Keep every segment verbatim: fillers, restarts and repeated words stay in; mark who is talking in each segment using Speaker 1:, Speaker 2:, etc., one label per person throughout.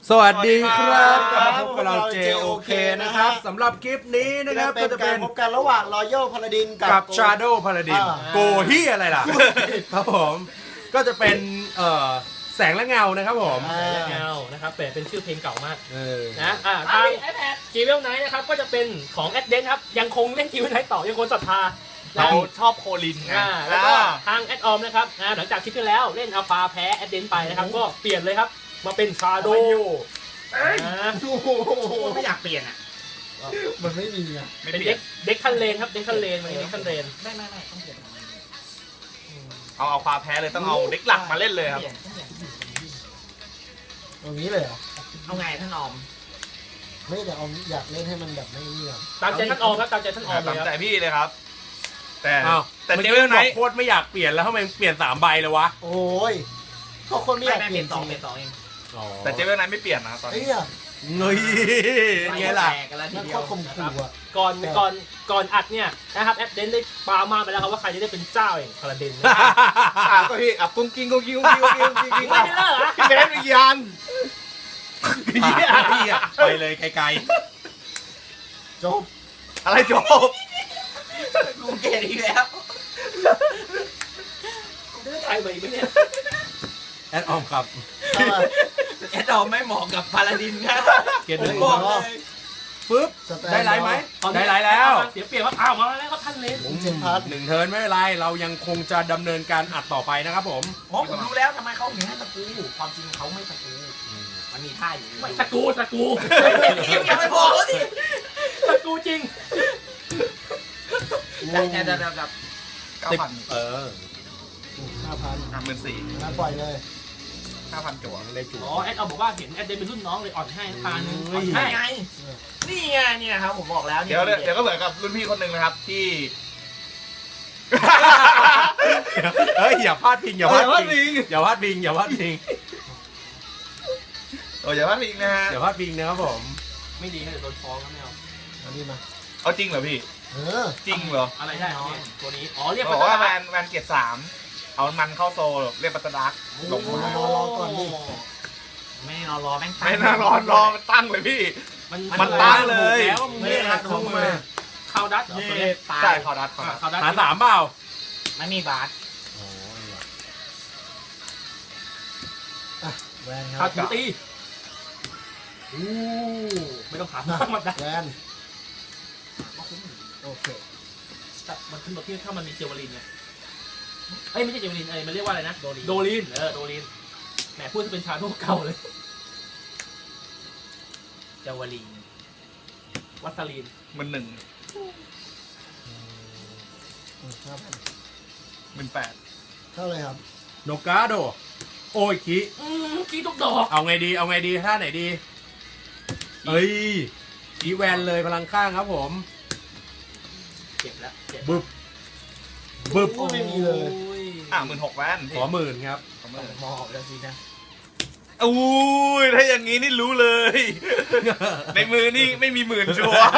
Speaker 1: สวัสดีครับกลับมาพบกับเรา เจ โอ เค นะครับสำหรับคลิปนี้นะครับก็จะเป็น
Speaker 2: พบกันระหว่าง Royal Paladin
Speaker 1: กับ Shadow Paladin โกฮี่อะไรล่ะครับผมก็จะเป็นเอ่อแสงและเงานะครับผม
Speaker 3: แสงและเงานะครับแต่เป็นชื่อเพลงเก่ามาก
Speaker 1: เออ
Speaker 3: นะอ่าทางจีเวลไนท์นะครับก็จะเป็นของแอดเดนครับยังคงเล่นจีเวลไนท์ต่อยังคงศรัทธา
Speaker 4: เราชอบโคลินไง
Speaker 3: อ่าแล้วก็ทางแอดออมนะครับนะหลังจากคลิปที่แล้วเล่นอัลฟาแพ้แอดเดนไปนะครับก็เปลี่ยนเลยครับมาเป็นชาโดว์
Speaker 4: ไม่อยากเปลี่ยนอ่ะ
Speaker 2: มันไม่มีอ่ะ
Speaker 4: ไม่
Speaker 3: เป็น
Speaker 4: เปลี่
Speaker 3: เด็
Speaker 4: ย
Speaker 3: ก
Speaker 4: น
Speaker 3: เด็กคันเลนครับเด็กคันเลนมันเด็กคันเลน
Speaker 4: ไม่ไม่ไม่ต้องเปลี่ยนเอาเอาความแพ้เลยต้องเอาเด็กหลักมาเล่นเลยครับ
Speaker 2: ตรงนี้เลยเหรอ
Speaker 4: เอาไงท่านออม
Speaker 2: ไม่แต่เอาอยากเล่นให้มันแบบไม่นี่หรอ
Speaker 3: ตามใจท่านออมครับตามใจท่านออมเล
Speaker 4: ตาม
Speaker 3: ยค
Speaker 4: ใจ
Speaker 3: รับ
Speaker 4: พี่เลยครับ แต่
Speaker 1: อ้าว
Speaker 4: แต่
Speaker 1: มื่อ
Speaker 4: เจ
Speaker 1: กี้
Speaker 4: เวลไน
Speaker 1: บอก
Speaker 4: ท์
Speaker 1: โคตรไม่อยากเปลี่ยนแล้วทำไมเปลี่ยนสามใบเลยวะ
Speaker 2: โอ้ยก็คนไม่อยากเปลี่ยน
Speaker 4: สอง
Speaker 2: จ
Speaker 4: เป็
Speaker 2: ริ
Speaker 4: น
Speaker 2: ง
Speaker 4: สองเอง
Speaker 1: อ๋อ
Speaker 4: แต่เจเวลไนท์ไม่เปลี่ยนนะครับตอน
Speaker 2: ไอ้
Speaker 4: นี้
Speaker 2: เนี่ย
Speaker 1: เงยไงล่ะ
Speaker 2: มันข้อข่มขู่อ่ะ
Speaker 3: ก่อนก่อนก่อนอัดเนี่ยนะครับแอดเดนได้ปามาไปแล้วครับว่าใครจะได้เป็นเจ้าเองพาราเดน
Speaker 4: อ่ะก็พี่อ่ะกุ้งกิ้งกุ้งกิ้งกุ้งกิ้งกุ้งกิ้งกุ้งกิ้ง
Speaker 3: ไม่ได้เลิกเหรอ
Speaker 4: พี่เบสมียัน
Speaker 1: พี่อะไปเลยไกล
Speaker 2: จบ
Speaker 4: อะไรจบ
Speaker 5: กูเกลียดอีกแล้ว
Speaker 3: กูได้ถ่ายไปไหมเนี่ย
Speaker 1: ๆแอดออมครับ
Speaker 2: เอามา
Speaker 5: แอดดอมไม่เหมาะกับพาลาดินนะ
Speaker 1: เกียรติ
Speaker 5: ผ
Speaker 1: หนึ่
Speaker 5: ม
Speaker 1: ง
Speaker 5: บอกเลย
Speaker 1: ปึ๊บ
Speaker 2: สแตน
Speaker 1: ได้ไลฟ์ไหม
Speaker 3: ตอนนี้
Speaker 1: ได้ไลฟ์แล้ว
Speaker 3: เสียเปรียบว่าอ้าวมาแล้วครับท่านเลน
Speaker 2: ผมเจ็ดพัน
Speaker 1: หนึ่งเทิร์นไม่เป็นไรเรายังคงจะดำเนินการอัดต่อไปนะครับผม
Speaker 5: อ๋อผมรู้แล้วทำไมเขาถึงให้สกูความจริงเขาไม่สกูมันมีท่าอยู่
Speaker 3: ไม่สกูสกู
Speaker 5: เอ็มอย่าไปบอกเขาดิ
Speaker 3: สกูจริง
Speaker 5: แต่แต่แต่แบบ
Speaker 4: เก้าพัน
Speaker 1: เออ
Speaker 2: ห้าพัน
Speaker 4: ห้าหมื่นสี่
Speaker 2: มาปล่อยเลย
Speaker 4: ห้าพันจั่ว
Speaker 1: ได้จุ๋
Speaker 3: อ๋อแอดเอาบอกว่าเห็นแอดเดนเป็นรุ่นน้องเลยอ่อนให้ตาหนึ่งอ่อน
Speaker 5: นี่
Speaker 3: ให้
Speaker 5: ไงนี่ไงเนี่ยครับผมบอกแล้ว
Speaker 4: เดี๋ยวเดี๋ยวก็เหมือนกับรุ่นพี่คนหนึ่งนะครับที่
Speaker 1: เฮ้ยอย่าพลาดพิงอย่าพลาด
Speaker 4: อย่าพลาด
Speaker 1: พิ
Speaker 4: พิ
Speaker 1: ง
Speaker 4: ง
Speaker 1: อย่าพลาดพิงอย่าพลาดพิง
Speaker 4: โอ้ยอย่าพลาดพิงนะฮะ
Speaker 1: อย่าพลาดพิงนะครับผม
Speaker 3: ไม่ดีให้เดี๋ยวโดนฟ้องครับไม่เอา
Speaker 2: อันนี้มา
Speaker 4: เอาจริงเหรอพี่
Speaker 2: เออ
Speaker 4: จริงเหรอ
Speaker 3: อะไรได้เนี่ยตัวนี้อ๋อเรียก
Speaker 4: บอกว่าแมนแมนเกียรติสามเอามันเข้าโซลเรียกปัตตดักลงมา
Speaker 2: รอรอก่อนดิ
Speaker 5: ไม่รอรอแม่ง
Speaker 4: ไม่น่ารอรอมันตั้งเลยพี่
Speaker 3: มัน
Speaker 4: มันตั้งเลย
Speaker 1: แล้วมึงไม่รักของมือ
Speaker 3: เข้าดัตเหรอตัวนี้
Speaker 5: ตาย
Speaker 4: ใช่เขาดัดเขาดัด
Speaker 3: เข้าดัต
Speaker 1: หาสามเปล่า
Speaker 5: ไม่มีบาส
Speaker 2: อ่ะแวนค
Speaker 3: ขา
Speaker 2: รั
Speaker 3: ด
Speaker 2: บ
Speaker 3: ถูตีอู้ไม่ต้องถามมากมันได้
Speaker 2: แวนโอเค
Speaker 3: แต่มันขึ้นมาที่ถ้ามันมีเจวลินไงเอ้ยไม่ใช่เจวลินเอ้ยมันเรียกว่าอะไรนะโดลินโดลินเออโดลินแหมพูดจะเป็นชาโดเก่าเลย
Speaker 5: เจาวลี
Speaker 3: วัสลีน
Speaker 4: มันหนึ่ง
Speaker 2: ห้าพัน
Speaker 4: หมื่นแปด
Speaker 2: เท่าไหรครับ
Speaker 1: โนกาโดโอ้ยคิ
Speaker 3: อืมกี้ทุกดอก
Speaker 1: เอาไงดีเอาไงดีท่าไหนดีเอ้ยอีแวนเลยพลังข้างครับผม
Speaker 3: เจ็บแล้วเจ็บ
Speaker 1: บึบบึบ
Speaker 2: โอ้ไม่มีเลย
Speaker 3: โอ้ย
Speaker 4: อ่ะหมื่นหกแวน
Speaker 1: ขอหมื่นครับ
Speaker 4: ขอหมื่น
Speaker 5: มอบแล้วสินะ
Speaker 4: อุ้ยถ้าอย่างนี้นี่รู้เลย ในมือนี่ไม่มีหมื่นชัวร์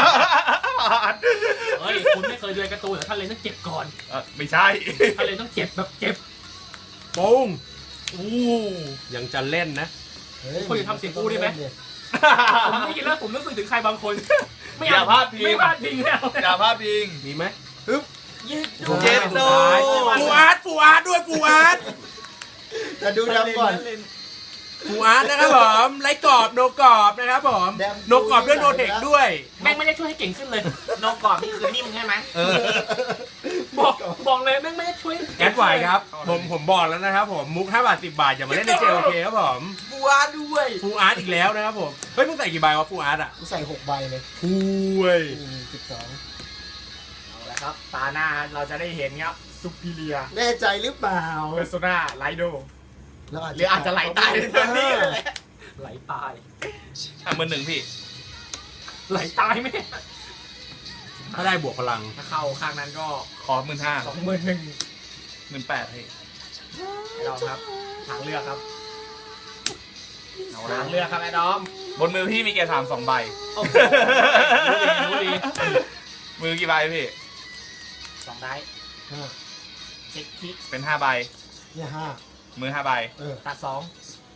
Speaker 3: เฮ้ยคุณไม่เคยเรียนการ์ตูนเหรอท่านเลยต้องเจ็บก่อน
Speaker 4: เอ่อไม่ใช่
Speaker 3: ท่านเลยต้องเจ็บแบบเจ็บ
Speaker 1: ปุ้ง
Speaker 4: อู้
Speaker 1: ยังจะเล่นนะ
Speaker 2: เฮ้ย
Speaker 3: คุณจะทำเสียงกูได้ไหม ผมได้ยินแล้วผมนึกถึงใครบางคน ไม่
Speaker 4: อย่าพลาดพิง
Speaker 3: ไม่พลาดพิงแล้ว
Speaker 4: อย่าพลาดพิง
Speaker 1: มีไหม
Speaker 5: ยืด
Speaker 4: เจ็ดโด
Speaker 1: ฟูอาร์ตฟูอาร์ตด้วยฟูอาร์ต
Speaker 2: แต่ดูดำก่อน
Speaker 1: ฟูอาร์ตนะครับผมไร้กรอบโนกรอบนะครับผม
Speaker 2: แดม
Speaker 1: โนกรอบด้วยโนเทคด้วย
Speaker 3: แม่งไม่ได้ช่วยให้เก่งขึ้นเลย
Speaker 5: นกกรอบนี่คือนิ่มใช่ไหม
Speaker 1: เออ
Speaker 3: บอกบอกเลยแม่งไม่ได้ช่วย
Speaker 1: แอดไหวครับผมผมบอกแล้วนะครับผมมุกห้าบาทสิบบาทอย่ามาเล่นในเจโอเคครับผม
Speaker 5: บัวด้วย
Speaker 1: ฟูอาร์ตอีกแล้วนะครับผมเฮ้ยมึงใส่กี่ใบวะฟูอาร์ตอ่ะ
Speaker 2: กูใส่หกใบเลย
Speaker 1: ฟูเว้ย
Speaker 2: สิบสอง
Speaker 5: เอาละครับตาหน้าเราจะได้เห็นครับซุปเปอร์
Speaker 2: แน่ใจหรือเปล่า
Speaker 5: เพอร์โซนาไลโด
Speaker 2: แล้ว
Speaker 5: หรืออาจจะไหลตายในตอนนี้เลย
Speaker 3: ไหลตาย
Speaker 4: อ่ะหมื่นหนึ่งพี่
Speaker 3: ไหลตายไหม
Speaker 1: ถ้าได้บวกพลัง
Speaker 5: ถ้าเข้าข้างนั้นก็
Speaker 4: ขอหมื่นห้า
Speaker 5: สองหมื่นหนึ่ง
Speaker 4: หมื่นแปดพี่
Speaker 5: ไอ้ดอมครับทางเลือกครับ
Speaker 4: เอาแล้
Speaker 5: ทาว งเลือกครับไอ้ดอม
Speaker 4: บนมือพี่มีเกียร์สามสองใบ
Speaker 3: โอ้โหรู้ดีรู้ดี
Speaker 4: มือกี่ใบพี่
Speaker 5: สองได้
Speaker 2: ห้า
Speaker 5: เช็คคิก
Speaker 4: เป็นห้าใบ
Speaker 2: เนี่ยห้า
Speaker 4: มือห้าใบ
Speaker 2: เออ
Speaker 5: ตัดสอง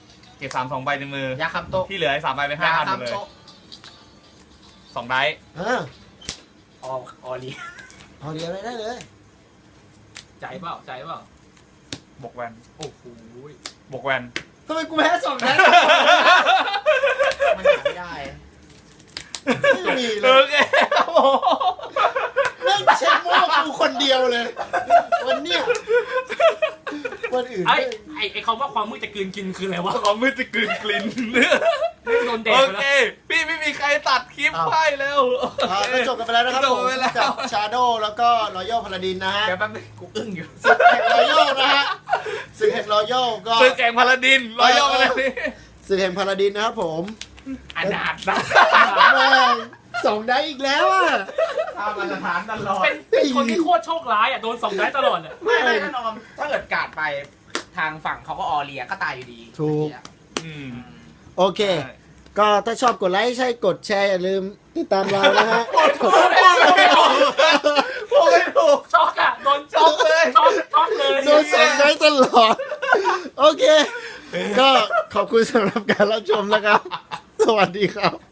Speaker 4: เก็บสามสองใบในมือย
Speaker 5: าคำโตะ
Speaker 4: ที่เหลือไอ้สามใบเป็นห้าย
Speaker 5: า
Speaker 4: พันหมดเลย
Speaker 5: คำโตะ
Speaker 4: สองไดส์
Speaker 2: เออ
Speaker 5: ออออลี
Speaker 2: เอาเดียวเลยได้เลย
Speaker 3: ใจเปล่าใจเปล่า
Speaker 4: บวกแวน
Speaker 3: โอ้โห
Speaker 4: บวกแวน
Speaker 2: ทำไมกูแพ้สองนัด
Speaker 5: มันหาไม่ได้
Speaker 2: ไม่มีเล
Speaker 4: โอย เคครับผม
Speaker 2: เล่นเช็คโม่กูคนเดียวเลย วันเนี้ยวันอื่น
Speaker 3: ไอ้
Speaker 2: ไม่
Speaker 3: ไอ้ไอ้คำว่าความมืดจะกลืนกินคืออะไรวะ
Speaker 4: ความมืดจะกลืนกลิ่น
Speaker 3: โดนแดด
Speaker 4: โอ
Speaker 3: ไป
Speaker 4: เค
Speaker 3: แล้ว
Speaker 4: พี่ไม่มีใครตัดคลิปไปแล้ว
Speaker 2: อ่าก็จบกันไปแล้วนะครับ
Speaker 4: จบ
Speaker 2: ผม
Speaker 4: ไปแล้ว
Speaker 2: กับชาโดแล้วก็รอยัลพาราดินนะฮะ
Speaker 5: เดี๋ยวแป๊บนึงกูอึ้งอยู่
Speaker 2: ศึกแห่งรอยัลนะฮะศึกแห่งรอยัลก็
Speaker 4: ซื้อแกงพาราดินรอยย่อมาเลยนี่
Speaker 2: ศึกแห่งพาราดินนะครับผม
Speaker 5: อนาถนะ
Speaker 2: แม่งสองได้อีกแล้วอ่ะ
Speaker 5: ถ้ามาตรฐานตลอด
Speaker 3: เป็นเป็นคนที่โคตรโชคร้ายอ่ะโดนสองได้ตลอดอ่ะ
Speaker 5: ไม่ไม่ถ้านอมถ้าเกิดกาดไปทางฝั่งเขาก็ออเลียก็ตายอยู่ดี
Speaker 2: ถูก
Speaker 4: อืม
Speaker 2: โอเค ก็ถ้าชอบกดไลค์ใช่กดแชร์อย่าลืมติดตามเรานะฮะ
Speaker 4: พูดไม่ถูกพูดไม่ถูก
Speaker 3: ช็อกอ่ะโดน
Speaker 4: ช็อกเลย
Speaker 3: ช็อกช็อกเลย
Speaker 2: โดนสองได้ตลอด โอเค ก็ขอบคุณสำหรับการรับชมนะครับ สวัสดีครับ